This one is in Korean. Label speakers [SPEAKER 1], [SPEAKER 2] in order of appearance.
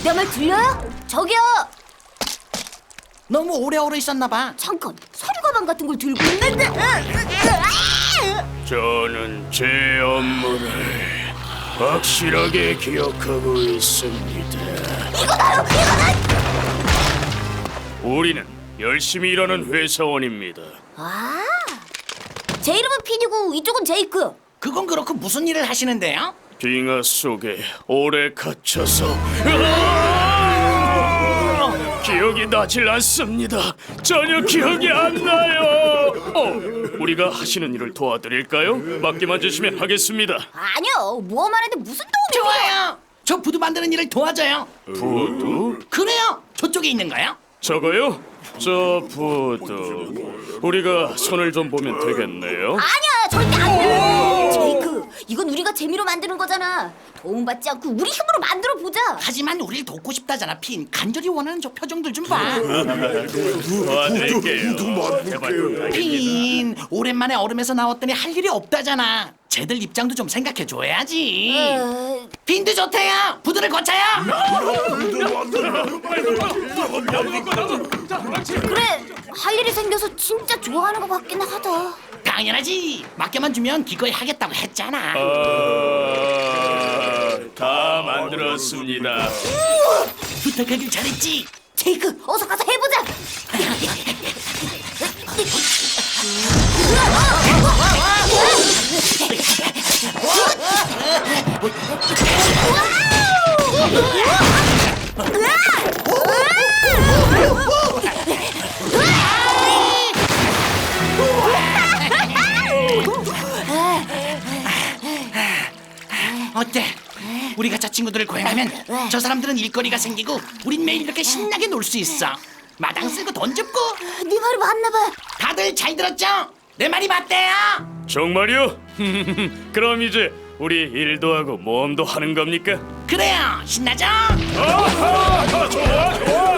[SPEAKER 1] 내 말 들려요? 저기요.
[SPEAKER 2] 너무 오래 있었나 봐.
[SPEAKER 1] 잠깐 서류 가방 같은 걸 들고 있는데.
[SPEAKER 3] 저는 제 업무를 확실하게 기억하고 있습니다.
[SPEAKER 1] 이거다요.
[SPEAKER 3] 우리는 열심히 일하는 회사원입니다.
[SPEAKER 1] 아, 제 이름은 핀이고 이쪽은 제이크.
[SPEAKER 2] 그건 그렇고 무슨 일을 하시는데요?
[SPEAKER 3] 빙하 속에 오래 갇혀서 기억이 나질 않습니다. 전혀 기억이 안 나요. 우리가 하시는 일을 도와드릴까요? 맡기만 주시면 하겠습니다.
[SPEAKER 1] 아니요, 모험하는데 무슨 도움이 필요해요?
[SPEAKER 2] 좋아요. 저 부두 만드는 일을 도와줘요.
[SPEAKER 3] 부두?
[SPEAKER 2] 그래요. 저쪽에 있는 거요.
[SPEAKER 3] 저거요? 저 부두. 우리가 손을 좀 보면 되겠네요.
[SPEAKER 1] 아니야, 절대 안 돼. 제이크, 이건 우리가 재미로 만드는 거잖아. 도움받지 않고 우리 힘으로 만들어 보자.
[SPEAKER 2] 하지만 우리를 돕고 싶다잖아, 핀. 간절히 원하는 저 표정들 좀 봐.
[SPEAKER 3] 도와드릴게요. 제발 부탁입니다.
[SPEAKER 2] 핀, 오랜만에 얼음에서 나왔더니 할 일이 없다잖아. 쟤들 입장도 좀 생각해 줘야지. 핀도 좋대요. 부두를 고쳐요.
[SPEAKER 1] 그래, 할 일이 생겨서 진짜 좋아하는 것 같긴 하다.
[SPEAKER 2] 당연하지. 맡겨만 주면 기꺼이 하겠다고 했잖아.
[SPEAKER 3] 다 만들었습니다.
[SPEAKER 2] 부탁하길 잘했지.
[SPEAKER 1] 제이크, 어서 가서 해보자.
[SPEAKER 2] 어때? 우리가 저 친구들을 고용하면 저 사람들은 일거리가 생기고 우린 매일 이렇게 신나게 놀 수 있어. 마당 쓸고 돈 줍고.
[SPEAKER 1] 네 말이 맞나 봐.
[SPEAKER 2] 다들 잘 들었죠? 내 말이 맞대요.
[SPEAKER 3] 정말요? 그럼 이제 우리 일도 하고 모험도 하는 겁니까?
[SPEAKER 2] 그래요. 신나죠?
[SPEAKER 3] 좋아.